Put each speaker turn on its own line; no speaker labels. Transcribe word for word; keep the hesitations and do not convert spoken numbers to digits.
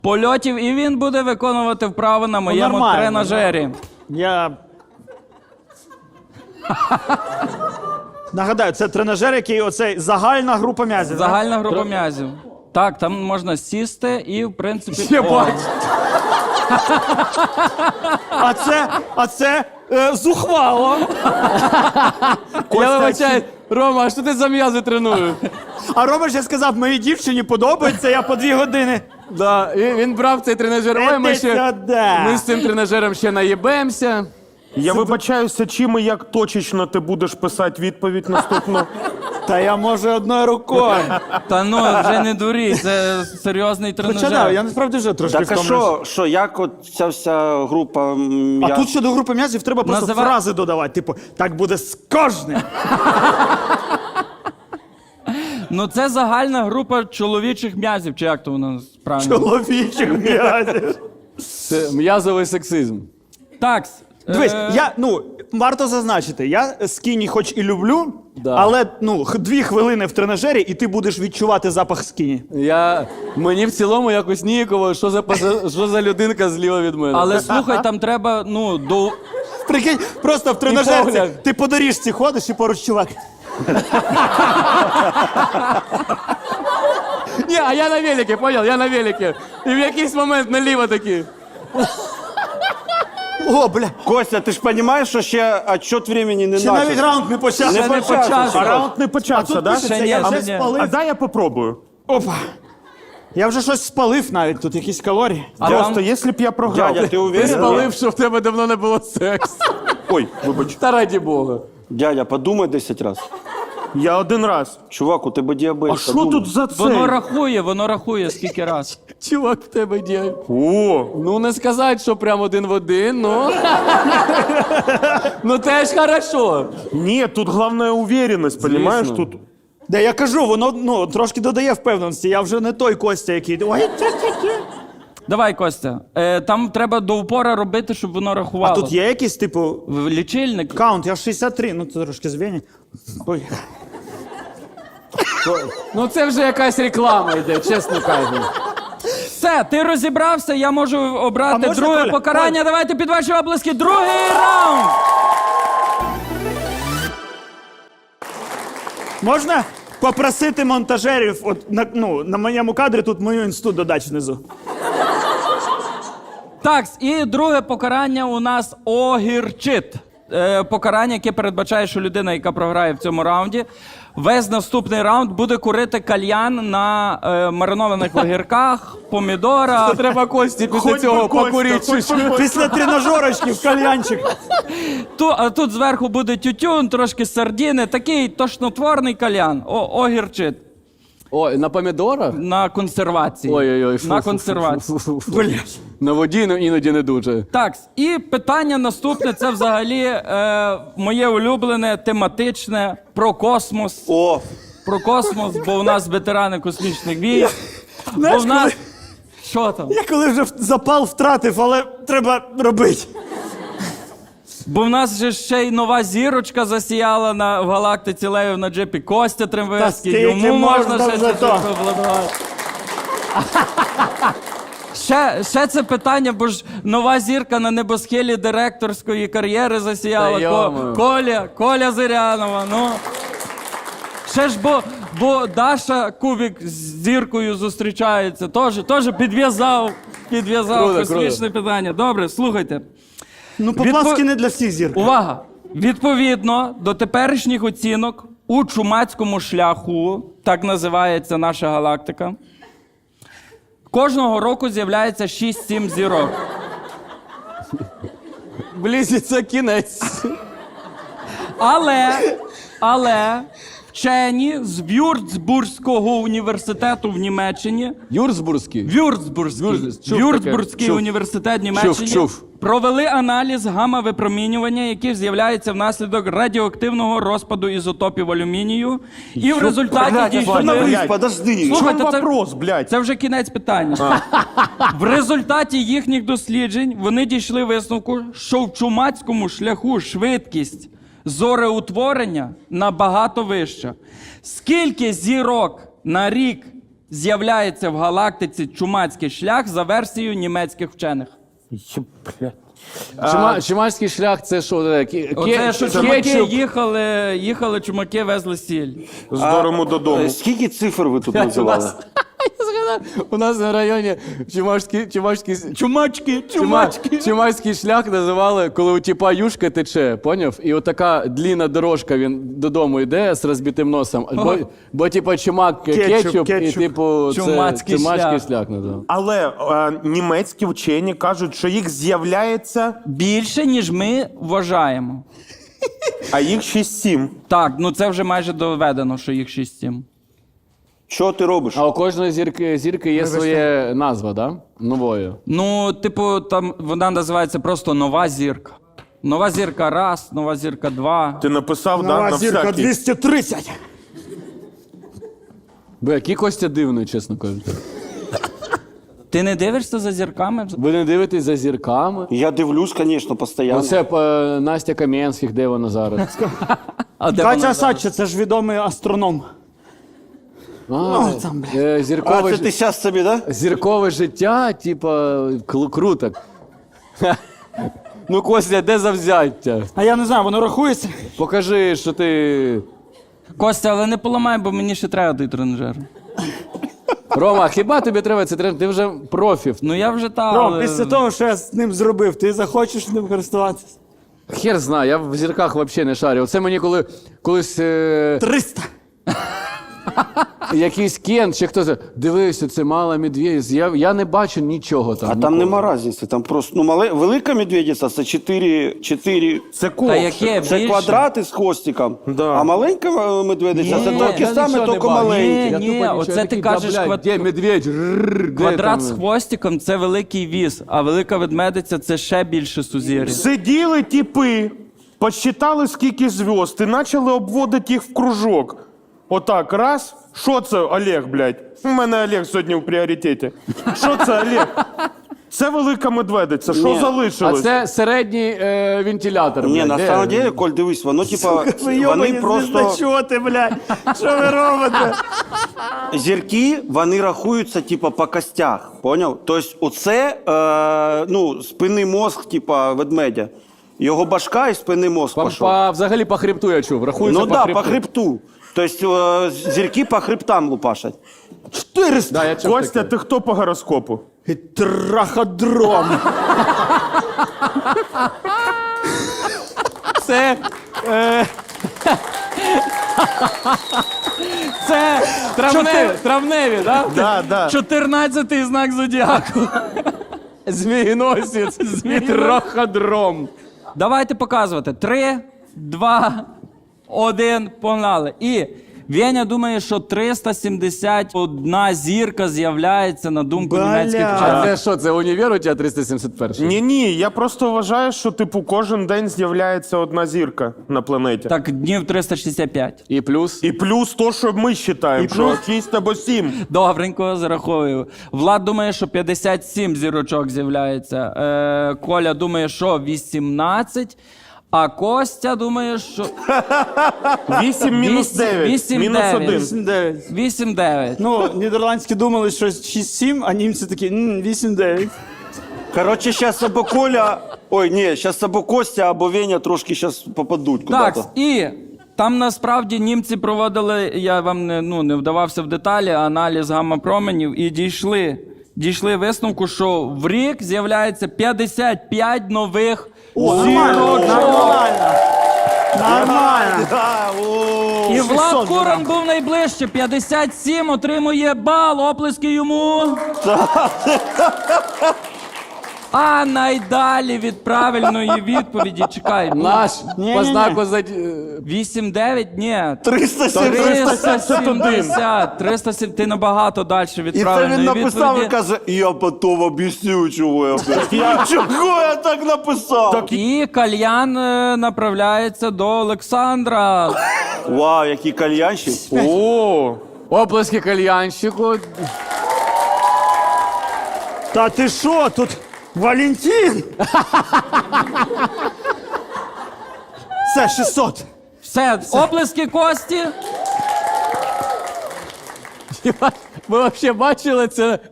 польотів, і він буде виконувати вправи на моєму
нормально,
тренажері.
Я... Нагадаю, це тренажер, який оцей загальна група м'язів. да?
Загальна група м'язів. Так, там можна сісти і, в принципі...
Я
О,
бачу.
А це, а це е, зухвало.
Я вибачаю, Рома, а що ти за м'язи тренуєш?
А Рома ще сказав, моїй дівчині подобається, я по дві години.
Да, і він брав цей тренажер. Ой, ми
Іди
ще
сюди.
ми з цим тренажером ще наїбемося.
Я вибачаюся, чим і як точечно ти будеш писати відповідь наступну?
Та я можу одною рукою.
Та ну, вже не дурій, це серйозний
Хоча да,
тренажер.
я насправді вже трошки
Так а
втомлююсь.
що, що, як от ця вся група
А
м'яз...
тут щодо групи м'язів треба просто
Називай-
фрази додавати. Типу, так буде з кожним.
Ну це загальна група чоловічих м'язів, чи як то воно правильно?
Чоловічих м'язів.
Це м'язовий сексизм.
Так.
Дивись,
е,
я, ну, варто зазначити, я скіні хоч і люблю,
Да.
але, ну, х- дві хвилини в тренажері, і ти будеш відчувати запах скіні.
Я... Мені в цілому якось ніяково, що за, паса- що за людинка зліва від мене.
Але слухай, там треба, ну, до...
Прикинь, просто в тренажерці,
погляд.
ти по доріжці ходиш і поруч чувак.
Ні, а я на велике, понял? Я на велике. І в якийсь момент наліво такі.
О, бля,
Костя, ти ж розумієш, що ще отчет времени не
ще навіть
начався?
раунд не почався.
Не
Ще не
почався.
почався.
А раунд не
А
почався,
тут
да?
пишеться,
Ще ні,
я
ще
вже
ні.
спалив.
А дай я попробую.
Опа. Я вже щось спалив навіть, тут якісь калорії.
А
Просто,
там-
якщо б я програв.
Дядя, ти
Ти
уверен?
спалив, що в тебе давно не було сексу.
Ой, вибач.
Та раді Бога.
Дядя, подумай десять разів.
Я один раз.
Чувак, у тебе діабет.
А що
подумай.
тут за це?
Воно рахує, воно рахує скільки раз.
Чувак, в тебе діє.
О,
Ну, не сказати, що прям один в один, ну. Ну теж хорошо.
ні, тут головна уверенность, понимаешь?
Звісно.
Тут
Де я кажу, воно, ну, трошки додає впевненості. Я вже не той Костя, який. Ой, тя-тя-тя.
Давай, Костя. Е, там треба до упора робити, щоб воно
А
рахувало.
тут є якийсь, типу,
В лічильник.
каунт, я шістдесят три, ну це трошки звені. Ой.
Ну це вже якась реклама йде, чесно кажучи.
Все, ти розібрався, я можу
А
обрати
можна,
друге
Коля?
покарання.
Коля.
Давайте під ваші облиски. Другий раунд!
Можна попросити монтажерів, от, на, ну, на моєму кадрі тут мою інсту додати внизу.
Так, і друге покарання у нас огірчит. Е, покарання, яке передбачає, що людина, яка програє в цьому раунді, весь наступний раунд буде курити кальян на е, маринованих огірках, помідорах.
То треба Кості після
Хоть би
цього
Костя,
покурити.
хоть би Костя. Після тренажерочків кальянчик.
Ту, а тут зверху буде тютюн, трошки сардіни, такий тошнотворний кальян. О, огірчит.
Ой, на помідорах?
На консервації.
Ой-ой-ой. фу,
На
фу, фу,
консервації.
фу, фу, фу, фу. На воді ну, іноді не дуже.
Так, і питання наступне, це взагалі е, моє улюблене, тематичне, про космос.
О,
Про космос, бо у нас ветерани космічних військ. Бо
Знаєш,
в нас...
коли-
Що там?
Я коли вже запал втратив, але треба робити.
Бо в нас же ще й нова зірочка засіяла на, в галактиці Лею на джипі Костя
Та
Трембевський.
скільки
Йому можна
можна
ще
вже
це
то?
обладнати. Ще, ще це питання, бо ж нова зірка на небосхилі директорської кар'єри засіяла.
Та
Ко-
йо-моє.
Коля, Коля Зирянова, ну. Ще ж бо, бо Даша Кубік з зіркою зустрічається. Теж, теж підв'язав, підв'язав
Круто,
космічне питання. Добре, слухайте.
Ну,
Відпо-
поплавськи не для всіх зір.
Увага! Відповідно до теперішніх оцінок у чумацькому шляху, так називається наша галактика, кожного року з'являється шість-сім зірок.
Близиться кінець.
Але, але вчені з Вюрцбурзького університету в Німеччині,
Юрцбурзький.
Вюрцбурзький,
Вюрц- чув
Вюрцбурзький
таке. Чув.
університет Німеччини
Чув, чув.
провели аналіз гамма-випромінювання, яке з'являється внаслідок радіоактивного розпаду ізотопів алюмінію. І в результаті
блядь,
дійшли...
остановись,
блядь.
подожди.
в чому
Слухайте, це-
вопрос, блядь?
Це вже кінець питання. В результаті їхніх досліджень вони дійшли висновку, що в чумацькому шляху швидкість зореутворення набагато вища. Скільки зірок на рік з'являється в галактиці чумацький шлях за версією німецьких вчених?
Є, блядь.
Чума, чумацький шлях це що? Таке? Ке-
Оце, що
ке-
чумаки
кетчуп?
їхали, їхали, чумаки везли сіль.
З дорому додому.
Е, Скільки цифр ви тут
У
називали?
нас, я згадав, у нас на районі чумацький, чумацький,
Чумачки,
чумацький. чумацький шлях називали, коли у тіпа юшка тече, поняв? І отака длінна дорожка, він додому йде з розбитим носом. Бо, бо типа чумак кетчуп,
Кетчуп,
і
кетчуп.
типу це
Чумацький
чумацький
шлях.
шлях називав.
Але е, німецькі вчені кажуть, що їх з'являється,
Більше, ніж ми вважаємо.
а їх шість-сім.
Так, ну це вже майже доведено, що їх шість-сім.
Що ти робиш?
А у кожної зірки, зірки є своє назва, да? Новою.
Ну, типу, там вона називається просто нова зірка. Нова зірка раз, нова зірка два.
Ти написав, да,
Нова
на
зірка
всякий.
двісті тридцять.
Бо який Костя дивний, чесно кажучи.
Ти не дивишся за зірками?
Ви не дивитесь за зірками?
Я дивлюсь, звісно, постійно.
Оце е, Настя Кам'янських, де вона зараз?
А де
Катя
вона?
Сача, це ж відомий астроном.
А,
там,
е,
А
зіркове,
це
ж-
ти зараз собі, да?
зіркове життя, типа, кл- круто. Ну, Костя, де завзяття?
А я не знаю, воно рахується?
Покажи, що ти.
Костя, але не поламай, бо мені ще треба той тренажер.
Рома, хіба тобі треба це тренер? Ти вже профі.
Ну я вже та.
Ром,
але-
після того, що я з ним зробив, ти захочеш ним користуватися?
Хер знає, я в зірках взагалі не шарю. Оце мені коли колись е,
триста.
якийсь Кен чи хтось. Дивися, це мала медведиця. Я, я не бачу нічого там.
А там
нікого.
нема різниці. Там просто ну, мале, велика медведиця це чотири, чотири
Це
Та
ковш.
яке
це
більше?
квадрати з хвостиком.
Да.
А маленька е, медведиця
Ні,
це такі
я
самі, тільки маленькі.
Ні, ні, оце ти кажеш квад-
Де медведь? Рррр, де
Квадрат
там?
з хвостиком це великий віз, а велика ведмедиця це ще більше сузір'я.
Сиділи тіпи, посчитали, скільки зв'язд, і почали обводити їх в кружок. Отак, раз. Що це, Олег, блядь? У мене Олег сьогодні в пріоритеті. Що це, Олег? Це велика медведиця. Що
Ні.
А
залишилось?
це середній е, вентилятор.
Ні,
блядь,
на
де?
самом деле, Коль, дивись, воно типа,
Ви
вони
йобані
просто
звіздочоти, блядь. Що ви робите?
зірки, вони рахуються типа по костях, поняв? Тобто оце, е, ну, спинний мозг, типа ведмедя. Його башка і спинний мозг
По,
пішов.
по, взагалі по хребту я чув. Рахується
Ну
по
да,
хребту.
по хребту. Тобто е, зірки по хребтам лупашать.
чотириста.
Да, я чув
Костя,
таке.
ти хто по гороскопу?
І траходром.
Це. Е... Це
Травневі, травневі, да?
Да, да.
чотирнадцятий знак зодіаку.
Змієносець, траходром.
Давайте показувати. Три, два, один, погнали. І Веня думає, що триста сімдесят одна зірка з'являється на думку
Бля.
німецьких
А
вчених.
це що, це універ у тебе триста сімдесят перший?
Ні, ні, я просто вважаю, що типу кожен день з'являється одна зірка на планеті.
Так, днів триста шістдесят п'ять.
І плюс?
І плюс то, що ми вважаємо, що шість або сім.
Добренько, зараховую. Влад думає, що п'ятдесят сім зірочок з'являється. Е, Коля думає, що вісімнадцять. А Костя думає, що
Вісім мінус
Вісім-
дев'ять.
вісім
Мінус
дев'ять.
один.
вісім дев'ять.
вісім дев'ять.
Ну, нідерландські думали, що шість сім, а німці такі «М, вісім дев'ять.
Коротше, зараз або Коля, ой, ні, зараз або Костя, або Веня трошки зараз попадуть
Так,
куди-то.
і там насправді німці проводили, я вам не, ну, не вдавався в деталі, аналіз гамма-променів і дійшли, дійшли висновку, що в рік з'являється п'ятдесят п'ять нових
Нормально, нормально. Нормально.
Да, о.
І Влад
шістсот
Куран був найближче. п'ятдесят сім отримує бал. Оплески йому. А найдалі від правильної відповіді. Чекай.
Наш
Ні,
по
ні, ні.
знаку за...
вісім дев'ять? Ні.
триста сімдесят.
триста сімдесят. триста сімдесят. Ти набагато далі від
І це
правильної
він написав і
відповіді.
каже, я потім об'ясню, чого я блядь. Чого я так написав?
І кальян е, направляється до Олександра.
Вау, який кальянщик.
О,
Оплески кальянщику.
Та ти що, тут Валентин? Це шістсот.
Все, оплески Кості.
Ви взагалі бачили це